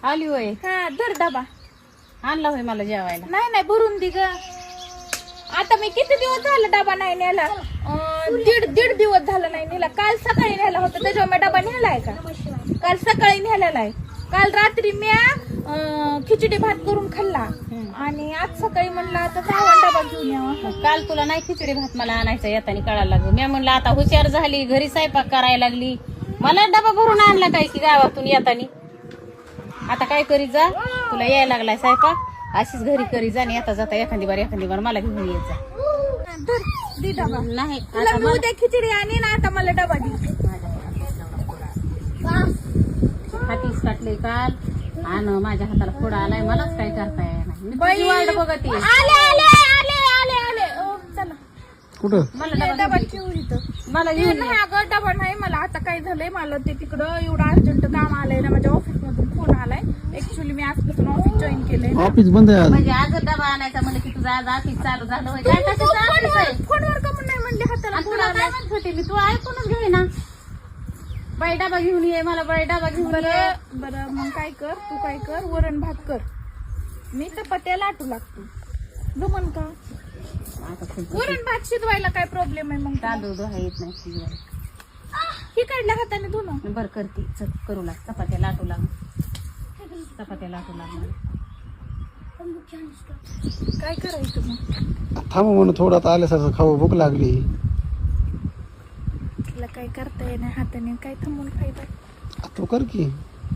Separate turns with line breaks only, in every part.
आली होय.
हा धर डबा.
आणला होय मला जेवायला.
नाही नाही भरून दे ग. आता मी किती दिवस झाला डबा नाही नेला. दीड दिवस झाला नाही नेला. काल सकाळी नेला होता त्याच्यावर मी डबा नेलाय का? काल सकाळी नेलेला आहे. काल रात्री मी खिचडी भात करून खाल्ला आणि आज सकाळी म्हणलं आता जावा डबा घेऊन यावा.
काल तुला नाही खिचडी भात मला आणायचा येताना कळायला लागलं. मी म्हणलं आता हुशार झाली घरी स्वयंपाक करायला लागली. मला डबा भरून आणला काय की गावातून येतानी. आता काय करीत जा तुला यायला लागलाय स्वयंपाक अशीच घरी करी जा आणि जाता एखादी बार मला घेऊन येत जा.
धर दे डबा.
नाही
तुला मी उद्या खिचडी आणि ना आता मला डबा दे.
हातीच काटले काल आणि माझ्या हाताला फोडा आलाय. मलाच काय करता येणार नाही. वाट बघते
आले आले आले आले आले. चला
कुठं
मला
डबा ठेवू इथं.
मला घेऊन
नाही अगं डबा नाही. मला आता काय झालंय मला ते तिकडं एवढं अर्जंट काम आलंय ना. माझ्या ऑफिस मधून फोन आलाय. ऍक्च्युअली मी आजपासून ऑफिस जॉईन केलंय.
ऑफिस बंद आहे आज.
म्हणजे आज डबा आणायचा म्हणलं की तुझं आज ऑफिस चालू झालं होय. काय कशाचं ऑफिस आहे?
फोनवर का म्हणून नाही म्हणले हाताला
आणि
फोन
तुला
आलाय.
काय म्हणत होते मी तू ऐकूनच घे ना. बाई डबा घेऊन ये मला बाई डबा घेऊन ये.
बरं बरं मग काय कर तू काय कर वरण भात कर. मी चपात्या लाटू लागतो. जमन का? वरण भात शिजवायला काय प्रॉब्लेम आहे? मग
तांदूळ धुवा येत नाही शिजवायला.
ही काढल्या हाताने धुणं.
बरं करते चल करू लाग चपात्या लाटू लाग. चपात्या लाटू लाग.
काय करायचं मग?
थांब म्हणून थोडं आता आल्यासारखं खाऊ भूक लागली.
तिला काय करता येणार हाताने काय थांबून फायदा.
तू कर की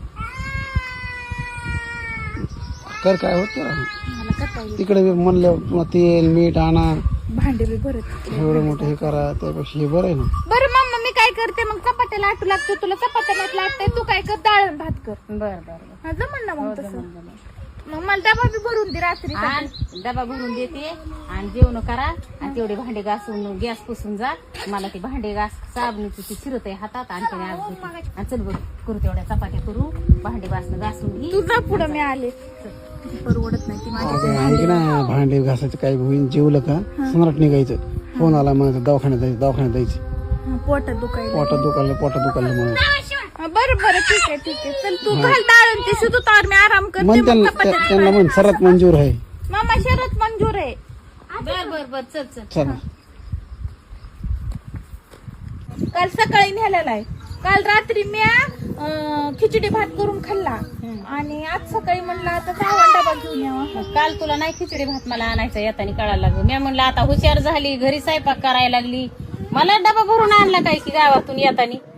कर काय होत
मला करता येईल.
तिकडे बी म्हणलं पुन्हा तेल मीठ आणा
भांडे बी भरत.
एवढं मोठं हे करा त्यापेक्षा हे बरं आहे ना.
बरं मम्मा मी काय करते मग चपात्या लाटू लागतो. तुला चपात्या नाहीत लाटते. तू काय कर डाळ भात कर.
बरं बरं
हा जमन ना मग
बरं
तसं.
जमलं.
मग मला डबा बी भरून दे रात्री.
आणि डबा भरून देते आणि जेवण करा आणि तेवढे भांडे घासून गॅस पुसून जा. मला ते भांडे घास साबणीची ती शिरत आहे हातात आणि त्याने आज देते. आणि चल बघ करू तेवढ्या चपात्या करू भांडे घासून घे.
तुझा पुढं मी आले. परवडत नाही ती माझी.
अगं आणखी ना भांडे घासायचं काय होईल. जेवलं का सम्राट निघायचं. फोन आला म्हणायचं दवाखान्यात जायचं.
पोटात दुखायला.
पोटात दुखायला म्हणून
बरं बरं ठीक आहे. चल तू घाल डाळ ते शिजू तर मी आराम करते.
म्हण
मग चपात्या
त्यांना म्हण सर्वात मंजूर आहे.
मामा शरत मंजूर आहे.
बर चल चल
चला
काल सकाळी नेलेला आहे. काल रात्री मी खिचडी भात करून खाल्ला आणि आज सकाळी म्हणलं आता जावा डबा घेऊन यावा.
काल तुला नाही खिचडी भात मला आणायचा येताना कळायला लागलं. मी म्हणलं आता हुशार झाली घरी स्वयंपाक करायला लागली. मला डबा भरून आणला काय की गावातून येतानी.